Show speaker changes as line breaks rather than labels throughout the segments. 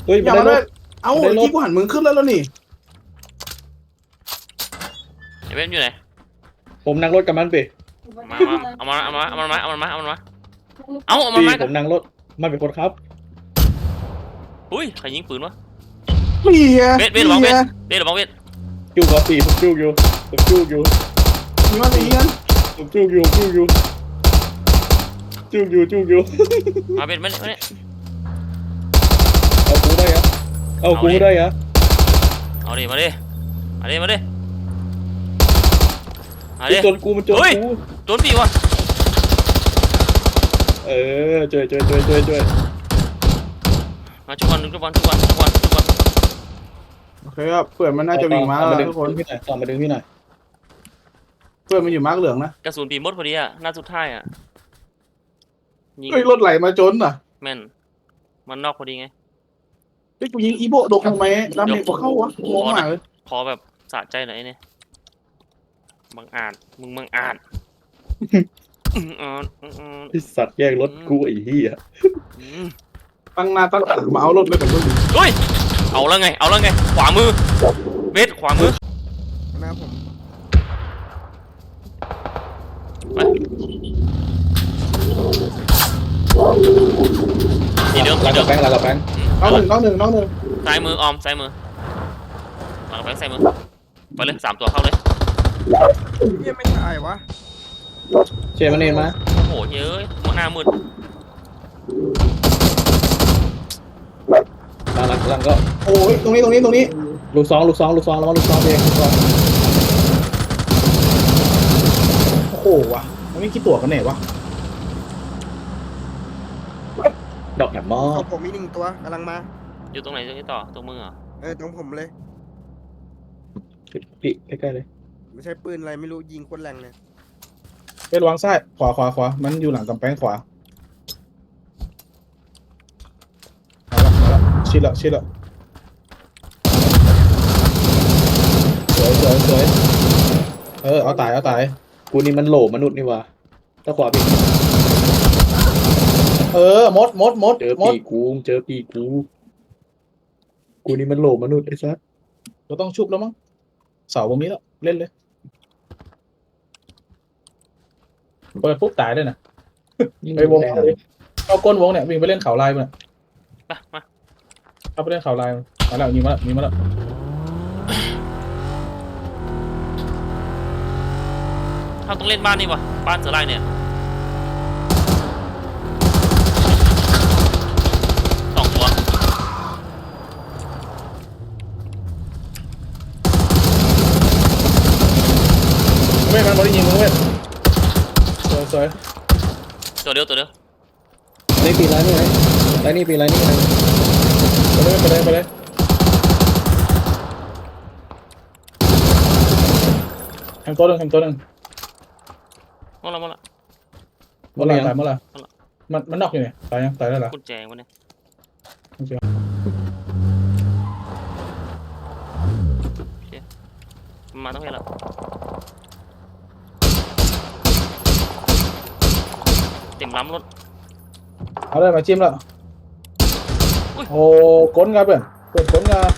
เฮ้ย
อย่า
ได้
มาร ได้
ถ
เอ้า
ได้รถ
ที่กูหันมึงขึ้นแล้วนี่
ไอ้เว้นอยู่ไหน
ผมนั่งรถกับมันไป
มาเอามัน
พี่
มา
ผมนั่งรถมันเป็นคนครับ
อุ้ยใครยิงปืนวะ
เมีย
เว้นหรือเปล่าเว้นหรือเปล่าเว้น
จู้ครับพี่ผมจู้อยู่ผมจู้อยู่
มีมันมีกัน
ผมจู้อยู่จู้อยู่จู้อยู่จู้อยู่
มาเว้นมาเนี่ย
เอากูได้อะเอากูได้อะ
เอาดิมาดิมาดิ
มันจนกูมันจน
เฮ้ย
กู
โดนปีวะ
เออช่วย
มาชุบวันทุกวัน
โอเคครับเพื่อนมันน่าจะวิ่งมาแล้วทุกคน
พี่หน่อยต่อมาดึงพี่หน่อย
เพื่อนมันอยู่มาร์กเหลืองนะ
กระสุนปีมดพอดีอะหน้าสุดท้ายอะยิง
เฮ้ยรถไหลมาจนอ่ะ
แม่นมันนอกพอดีไง
เฮ้ยกูยิงอีโบโดนทำไมดาเมจกูเข้าวะงงมากเลย
ขอแบบสะใจหน่อยเนี่ยบังอาจมึงบังอาจ
พี่สัตว์แย่งรถกูไอ้เหี้ย
ตั้งหน้าตั้งตามาเอารถเลยกับมึง
เฮ้ยเอาแล้วไงขวามือเวทขวามือ
หน้าผม
ทีเดิม
หลังกับแบงค์
น้องหนึ่ง
ซ้ายมือออมซ้ายมือหลังไปซ้ายมือไปเลย3 ตัวเข้าเลย
เฮียไม่ตายวะ
เชมันเองมา
โอ้โหเย้ยหน้ามืด
หลังก็
โอ้ยตรงนี้
ลูกซองแล้วว่าลูกซองเองลูกซอง
โอ้โหวะมันไม่คิดตัวกันไหนวะ
ดอกแหมมอ
ของผมมี1 ตัวกำลังมา
อยู่ตรงไหนต่อตรงมือเหรอ
ตรงผมเลย
พี่ใกล้ๆเลย
ไม่ใช่ปืนอะไรไม่รู้ยิงโคตรแรงเลย
เป็นวางซ้ายขวามันอยู่หลังกำแพงขวามาละชิดละสวยเอาตาย
กูนี่มันโหลมนุษย์นี่วะถ้าขวาพี่
มด
เจอปีกูกูนี่มันโหลมนุษย์ไอ้ซัส
เราต้องชุบแล้วมั้งเสาตรงนี้แล้วเล่นเลยเปิดปุ๊บตายเลยนะไปวงเอาก้นวงเนี่ยวิ่งไปเล่นเขาลายมัน
ไปมา
เอาไปเล่นเขาลายมาแล้วยิงมาแล้ว
เขาต้องเล่นบ้านนี่วะบ้านเสือลายเนี่ย2 ตัว
มันบอลยิงมึงเว้ยสวย
ตัวเดียว
นี่ปีไรนี่ไงไรนี่ปีไรนี่ไง
ไปเลยแฮมตัวหนึ่ง
หมดละ
เมื่อไรมันนอกอยู่เนี่ยตายยังตายแล้วเหรอ
กุญแจวะเนี่ยมาต้องให้ละเต็มล้ำรถ
เอาเลยมาจิ้มแล้วโอ้ก้นกันเปิดก้นกัน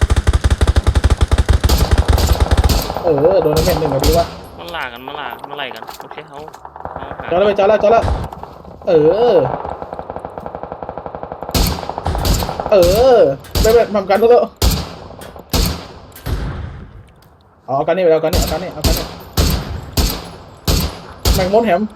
โดนเม็ดหนึ่งแบบนี้วะ
มันล่ากันมาไล่กันโอเคเขาหา
จอดแล้วไม่ทำกันแล้วเอากันนี่แมงมดแหม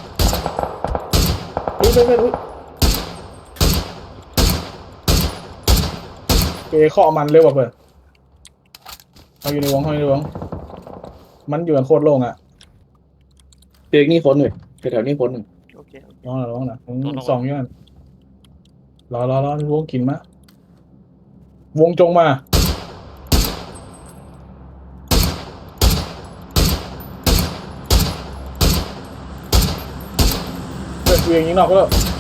อุ้ยเกย์ข้อมันเร็วกว่าเพื่อนเอาอยู่ในวงมันอยู่กันโคตรโล่งอ่ะ
เจอนี่คนเลยแถวนี้คนหนึ่ง
โอเค
ร้องนะสองอยู่นั่นรอวงกินมาวงจงมาเพื่อนกูยิงนอกก็แล้ว